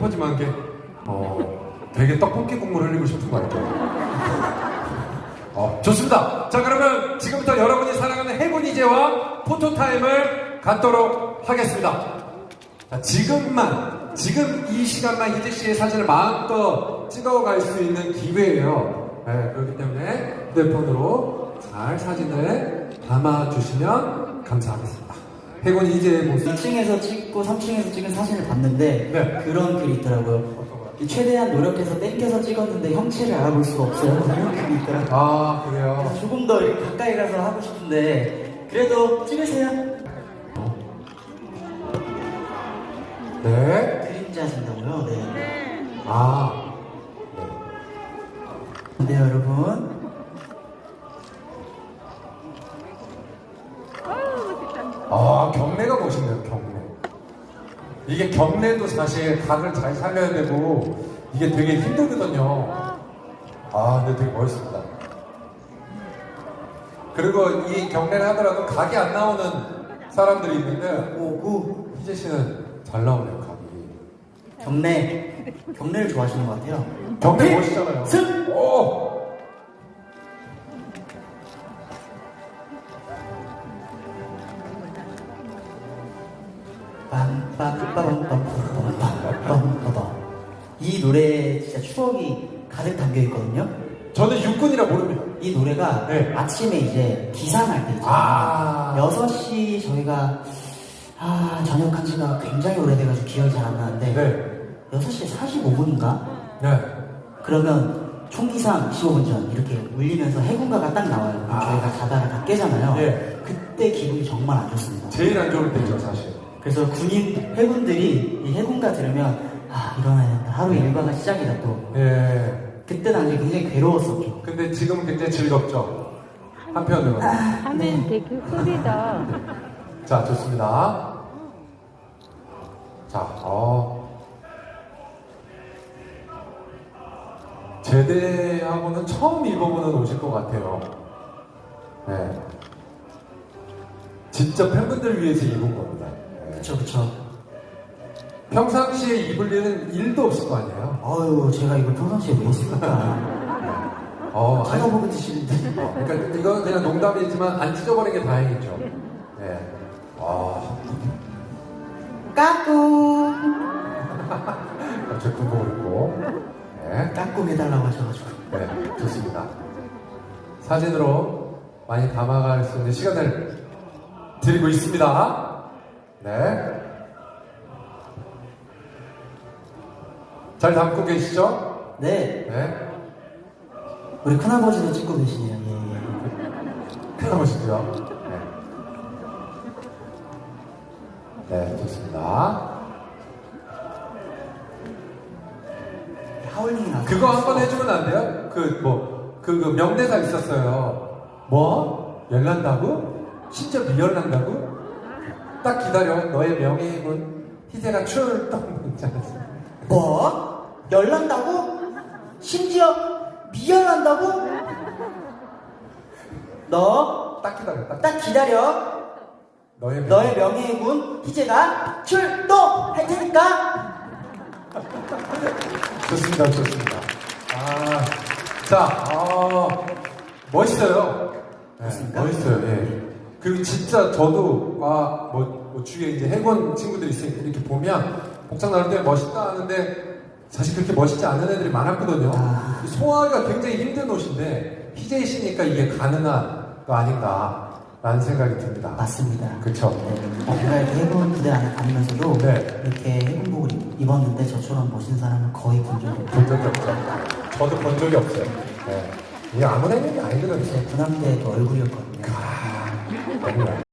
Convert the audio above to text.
퍼짐한 게 되게 떡볶이 국물 흘리고 싶은 거 같아요. 좋습니다. 자, 그러면 지금부터 여러분이 사랑하는 해군 이제와 포토타임을 갖도록 하겠습니다. 자, 지금 이 시간만 희재 씨의 사진을 마음껏 찍어갈 수 있는 기회예요. 네, 그렇기 때문에 휴대폰으로 잘 사진을 담아주시면 감사하겠습니다. 해군 이제의 모습. 2층에서 찍고 3층에서 찍은 사진을 봤는데 네. 그런 글이 있더라고요. 최대한 노력해서 땡겨서 찍었는데 형체를 알아볼 수가 없어요. 그런 글이 있더라고요. 아, 그래요? 그래서 조금 더 이렇게 가까이 가서 하고 싶은데 그래도 찍으세요. 네. 그림자 진다고요? 네. 아, 네. 네, 여러분. 경례가 멋있네요, 경례. 이게 경례도 사실 각을 잘 살려야 되고, 이게 되게 힘들거든요. 근데 되게 멋있습니다. 그리고 이 경례를 하더라도 각이 안 나오는 사람들이 있는데, 희재 씨는 잘 나오네요, 각이. 경례를 좋아하시는 것 같아요. 경례 멋있잖아요. 승! 오! 이 노래에 진짜 추억이 가득 담겨 있거든요. 저는 육군이라 모릅니다. 이 노래가 네. 아침에 이제 기상할 때 있잖아요. 6시 저희가 전역한 지가 굉장히 오래돼가지고 기억이 잘 안 나는데 네. 6시 45분인가? 네. 그러면 총기상 15분 전 이렇게 울리면서 해군가가 딱 나와요. 그럼 저희가 자다가 다 깨잖아요. 네. 그때 기분이 정말 안 좋습니다. 제일 안 좋을 때죠, 사실. 그래서 해군들이 이 해군가 들으면 일어나야 된다. 하루 일과가 시작이다 또. 예. 그때 당시 굉장히 괴로웠었죠. 근데 지금은 굉장히 즐겁죠. 한편으로는. 하면 되게 흐리다. 자, 좋습니다. 자, 제대하고는 처음 입어보는 옷일 것 같아요. 네. 진짜 팬분들 위해서 입은 겁니다. 네. 그쵸. 평상시에 입을 일은 일도 없을 거 아니에요? 제가 이걸 평상시에 왜 했을까? 찾아보고 드시는데. 그러니까 이건 그냥 농담이지만 안 찢어버린 게 다행이죠. 네. 까꿍! 갑자기 군복을 입고. 네. 까꿍 해달라고 하셔가지고. 네, 좋습니다. 사진으로 많이 담아갈 수 있는 시간을 드리고 있습니다. 네. 잘 담고 계시죠? 네. 네. 우리 큰아버지도 찍고 계시네요. 예. 해보시죠. 네. 네, 좋습니다. 하울링이 나서. 그거 한번 해주면 안 돼요? 그 명대사 있었어요. 뭐? 열난다고? 진짜 미열난다고? 딱 기다려. 너의 명예임은 희재가 출동문지 않았어. 뭐? 열난다고? 심지어 미열난다고? 너 딱 기다려. 딱 기다려. 너의 너의 명예의 군 희재가 출동할 테니까. 좋습니다. 멋있어요. 네, 멋있어요. 예. 그리고 진짜 저도 주위에 이제 해군 친구들이 있으니까 이렇게 보면 복장 나올 때 멋있다 하는데 사실 그렇게 멋있지 않은 애들이 많았거든요. 소화하기가 굉장히 힘든 옷인데 희재 씨니까 이게 가능한 거 아닌가라는 생각이 듭니다. 맞습니다. 그렇죠. 제가 이렇게 해군 부대 안에 다니면서도 네. 이렇게 해군복을 입었는데 저처럼 멋진 사람은 거의 본 적이 없어요. 본 적이 없죠. 저도 본 적이 없어요. 네. 이게 아무나 있는 게 아니거든요. 제 군함대 얼굴이었거든요. 너무